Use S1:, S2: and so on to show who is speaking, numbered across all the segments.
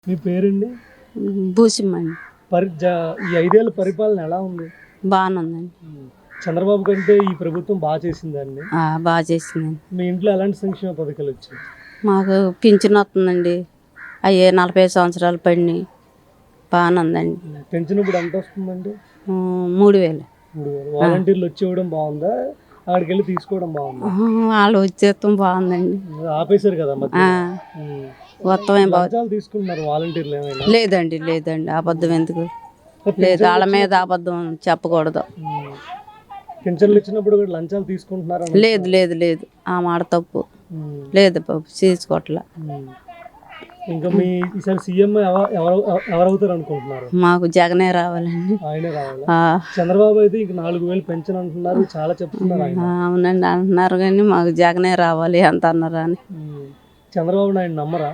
S1: మీ పేరండి?
S2: భూసిమ్మండి.
S1: ఈ 5 ఏళ్ల పరిపాలన ఎలా ఉంది?
S2: బాగానే ఉందండి.
S1: చంద్రబాబు కంటే ఈ ప్రభుత్వం బాగా చేసిందండి.
S2: బాగా చేసిందండి.
S1: మీ ఇంట్లో ఎలాంటి సంక్షేమ పథకాలు వచ్చాయి?
S2: మాకు పింఛన్ వస్తుందండి. అయ్యే 45 సంవత్సరాలు పడినాయి. బాగానే ఉందండి.
S1: పెన్షన్ ఇప్పుడు ఎంత వస్తుందండి?
S2: 3000.
S1: 3000. వాలంటీర్లు వచ్చి ఇవ్వడం బాగుందా, అక్కడికి వెళ్ళి తీసుకోవడం బాగుందా?
S2: వాళ్ళు వచ్చేస్తాం బాగుందండి.
S1: ఆపేశారు కదా మధ్య.
S2: మొత్తం ఏం
S1: లంచాలు తీసుకుంటున్నారు వాలంటీర్లు ఏమైనా?
S2: లేదండి అబద్ధం ఎందుకు లేదు, వాళ్ళ మీద అబద్ధం చెప్పకూడదు.
S1: పెన్షన్లు ఇచ్చినప్పుడు కూడా లంచాలు తీసుకుంటున్నారు?
S2: లేదు ఆ మాట తప్పు. లేదు బాబు, తీసుకోవట్లా.
S1: ఇంకా మీ ఈసారి సీఎం ఎవరవుతారు అనుకుంటున్నారు?
S2: మాకు జగనే రావాలండి.
S1: ఆయనే రావాలి. చంద్రబాబు అయితే ఇంక 4000 పెన్షన్ అంటున్నారు, చాలా చెప్తున్నారు ఆయన.
S2: అవునండి అంటున్నారు, కానీ మాకు జగనే రావాలి అంత అన్నారు అని.
S1: చంద్రబాబు నాయుడు నమ్మరా?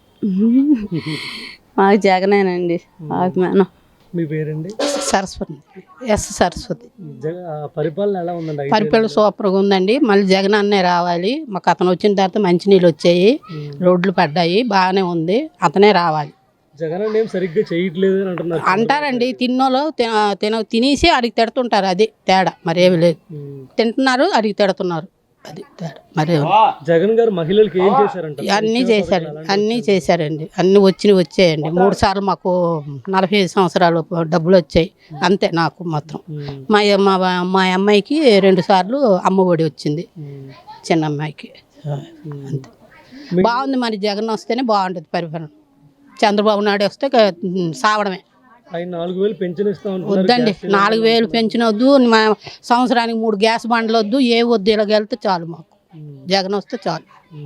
S2: మాకు జగనేనండి అభిమానం.
S1: మీ పేరండి?
S3: సరస్వతి. సరస్వతి.
S1: పరిపాలన ఎలా ఉందండి?
S3: పరిపాలన సూపర్గా ఉందండి. మళ్ళీ జగన్ అన్నే రావాలి. మాకు అతను వచ్చిన తర్వాత మంచినీళ్ళు వచ్చాయి, రోడ్లు పడ్డాయి, బాగానే ఉంది. అతనే రావాలి.
S1: జగన్ అంటే ఏం సరిగ్గా చేయట్లేదు అని అంటున్నారు.
S3: అంటారండి, తిన్నోళ్ళు తినేసి అడిగి తిడుతుంటారు. అది తేడా, మరేమి లేదు. తింటున్నారు, అడిగి తిడుతున్నారు, అది తేడా, మరే.
S1: జగన్ గారు మహిళలకు ఏం చేశారంట?
S3: అన్నీ చేశారండి. అన్నీ వచ్చాయండి. 3 సార్లు మాకు 45 సంవత్సరాలు డబ్బులు వచ్చాయి అంతే. నాకు మాత్రం మా అమ్మాయికి 2 సార్లు అమ్మఒడి వచ్చింది, చిన్న అమ్మాయికి అంతే. బాగుంది. మరి జగన్ వస్తేనే బాగుంటుంది పరిపాలన. చంద్రబాబు నాయుడు వస్తే సావడమే.
S1: 4000 పెన్షన్ ఇస్తాం
S3: వద్దండి, 4000 పెన్షన్ వద్దు. సంవత్సరానికి 3 గ్యాస్ బండ్లు వద్దు, ఏ వద్దు. ఇలాగ వెళ్తే చాలు, మాకు జగన్ వస్తే చాలు.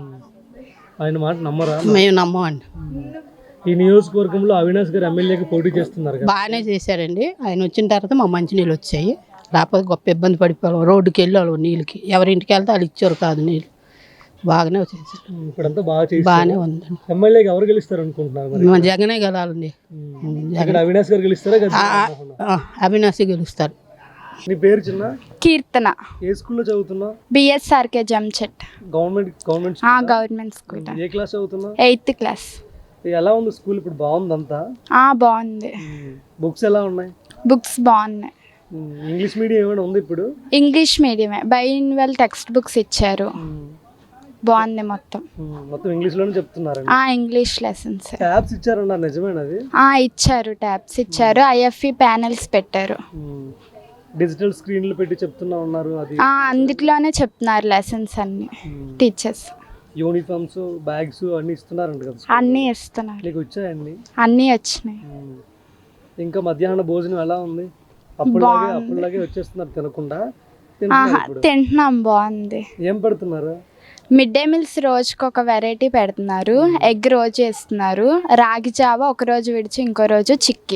S1: ఆయన మాట నమ్మరా?
S3: మేము నమ్మమండి.
S1: ఈ నియోజకవర్గంలో అవినాష్ గారు ఎమ్మెల్యేకి పోటీ చేస్తున్నారు.
S3: బాగానే చేశారండి. ఆయన వచ్చిన తర్వాత మా మంచినీళ్ళు వచ్చాయి. లేకపోతే గొప్ప ఇబ్బంది పడిపోయాం. రోడ్డుకి వెళ్ళాలి నీళ్ళకి. ఎవరింటికి వెళ్తే వాళ్ళు ఇచ్చారు కాదు నీళ్ళు. బాగానే చేశారు.
S1: ఇప్పుడంతా బాగానే
S3: ఉందండి.
S1: ఎమ్మెల్యేకి ఎవరు గెలుస్తారు అనుకుంటున్నారు?
S3: జగనే గెలాలండి.
S1: అవినాష్ గారు గెలుస్తారా?
S3: అవినాష్ గెలుస్తారు.
S1: నీ పేరు? చిన్న
S4: కీర్తన.
S1: ఏ స్కూల్లో చదువుతున్నావు?
S4: బిఎస్ఆర్కే జంచెట్.
S1: Government
S4: school.
S1: ఏ క్లాస్ చదువుతున్నావు?
S4: 8th class.
S1: ఎలా ఉంది స్కూల్ ఇప్పుడు? బాగుందంతా?
S4: బాగుంది.
S1: బుక్స్ ఎలా ఉన్నాయి?
S4: బుక్స్ బాగున్నాయి.
S1: ఇంగ్లీష్ మీడియం ఏమైనా ఉంది ఇప్పుడు?
S4: ఇంగ్లీష్ మీడియమే. బైలింగ్వల్ టెక్స్ట్ బుక్స్ ఇచ్చారు, బాగుంది. మొత్తం
S1: ఇంగ్లీష్ లోనే చెప్తున్నారు.
S4: English lessons.
S1: ట్యాబ్స్ ఇచ్చారన్న, నిజమేనది?
S4: ఇచ్చారు, ట్యాబ్స్ ఇచ్చారు. ఐఎఫ్ఈ ప్యానెల్స్ పెట్టారు.
S1: డిజిటల్ స్క్రీన్లు పెట్టి చెప్తున్నా ఉన్నారు. అది
S4: అందులోనే చెప్తున్నారు లెసన్స్ అన్ని టీచర్స్.
S1: యూనిఫామ్స్, బ్యాగ్స్ అన్ని ఇస్తున్నారంట కదా?
S4: అన్నీ ఇస్తున్నారు.
S1: నీకు వచ్చాయండి?
S4: అన్నీ వచ్చినాయి.
S1: ఇంకా మధ్యాహ్న భోజనం ఎలా ఉంది? అప్పుడులాగే వచ్చేస్తున్నారు తినకుండా?
S4: తింటున్నాం, బాగుంది.
S1: ఏం పెడుతున్నారు?
S4: మిడ్ డే మీల్స్ రోజుకి ఒక వెరైటీ పెడుతున్నారు. ఎగ్ రోజు ఇస్తున్నారు, రాగి జావ ఒక రోజు విడిచి ఇంకో రోజు చిక్కి.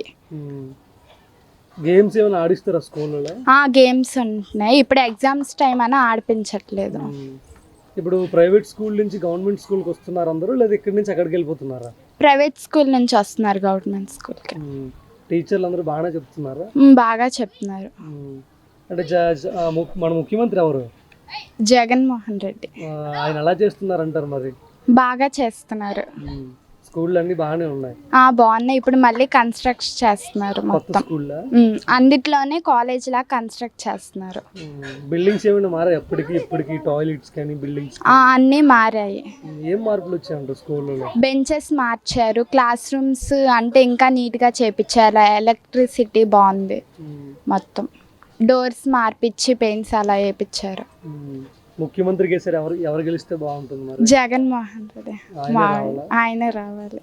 S1: గేమ్స్ ఏమైనా ఆడిస్తారా స్కూల్లో?
S4: గేమ్స్ ఉంటున్నాయి. ఇప్పుడు ఎగ్జామ్స్ టైం అని ఆడిపించట్లేదు.
S1: ఇప్పుడు ప్రైవేట్ స్కూల్ నుంచి గవర్నమెంట్ స్కూల్కి వస్తున్నారు అందరూ, లేదా ఇక్కడి నుంచి అక్కడికి వెళ్ళిపోతున్నారా?
S4: ప్రైవేట్ స్కూల్ నుంచి వస్తున్నారు గవర్నమెంట్ స్కూల్కి.
S1: టీచర్లు అందరూ బాగానే చెప్తున్నారా?
S4: బాగా చెప్తున్నారు.
S1: అంటే మన ముఖ్యమంత్రి ఎవరు?
S4: జగన్మోహన్ రెడ్డి.
S1: ఆయన ఎలా చేస్తున్నారు అంటారు? మరి
S4: బాగా చేస్తున్నారు.
S1: స్కూళ్ళు అన్ని బాగానే ఉన్నాయి?
S4: బాగున్నాయి. ఇప్పుడు మళ్ళీ కన్స్ట్రక్ట్ చేస్తున్నారు మొత్తం. అందుట్లోనే కాలేజ్ లా కన్స్ట్రక్ట్ చేస్తున్నారు.
S1: బిల్డింగ్స్ ఏమైనా మారాయి ఇప్పటికి? టాయిలెట్స్ కానీ బిల్డింగ్స్
S4: అన్నీ మారాయి.
S1: ఏం మార్పులు వచ్చాయంట స్కూల్లో?
S4: బెంచెస్ మార్చారు, క్లాస్ రూమ్స్ అంటే ఇంకా నీట్ గా చేపించారు. ఎలక్ట్రిసిటీ బాగుంది. మొత్తం డోర్స్ మార్పిచ్చి పెయింట్స్ అలా వేయించారు.
S1: ముఖ్యమంత్రి కేసరి ఎవరు గెలిస్తే బాగుంటుంది?
S4: జగన్మోహన్ రెడ్డి. ఆయనే రావాలి.